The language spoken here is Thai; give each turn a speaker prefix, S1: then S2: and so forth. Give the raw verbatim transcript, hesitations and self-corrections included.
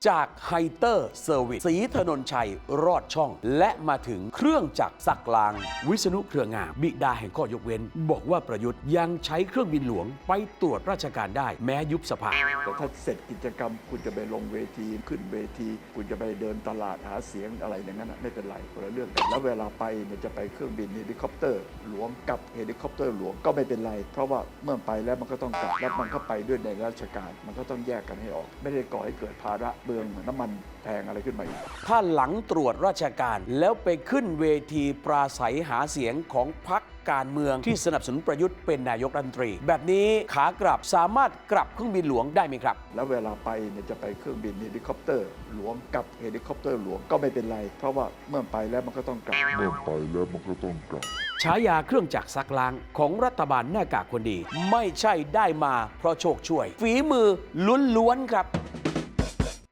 S1: จากไฮเตอร์เซอร์วิสศรีถนนชัยรอดช่อง และมาถึงเครื่องจักรซักล้างวิษณุเครืองามบิดาแห่งข้อยกเว้นบอกว่าประยุทธ์ยังใช้เครื่องบินหลวงไปตรวจราชการได้แม้ยุบสภา
S2: แต่ถ้าเสร็จกิจกรรมคุณจะไปลงเวทีขึ้นเวทีคุณจะไปเดินตลาดหาเสียงอะไรอย่างนั้นไม่เป็นไรคนละเรื่องกันแล้วเวลาไปเนี่ยจะไปเครื่องบินเฮลิคอปเตอร์หลวงกับเฮลิคอปเตอร์หลวงก็ไม่เป็นไรเพราะว่าเมื่อไปแล้วมันก็ต้องกลับแล้วมันก็ไปด้วยในราชการมันก็ต้องแยกกันให้ออกไม่ได้ก่อให้เกิดภาระเบืองเหมือนน้ำมันแพงอะไรขึ้นมาอีก
S1: ถ้าหลังตรวจราชการแล้วไปขึ้นเวทีปราศัยหาเสียงของพรรคการเมืองที่สนับสนุนประยุทธ์เป็นนายกรัฐมนตรีแบบนี้ขากลับสามารถกลับเครื่องบินหลวงได้ไหมครับ
S2: แล้วเวลาไปเนี่ยจะไปเครื่องบินเฮลิคอปเตอร์หลวงกับเฮลิคอปเตอร์หลวงก็ไม่เป็นไรเพราะว่าเมื่อไปแล้วมันก็ต้องกลับ
S3: เมื่อไปแล้วมันก็ต้องกลับ
S1: ฉายาเครื่องจักรซักล้างของรัฐบาลหน้ากากคนดีไม่ใช่ได้มาเพราะโชคช่วยฝีมือล้วนๆครับ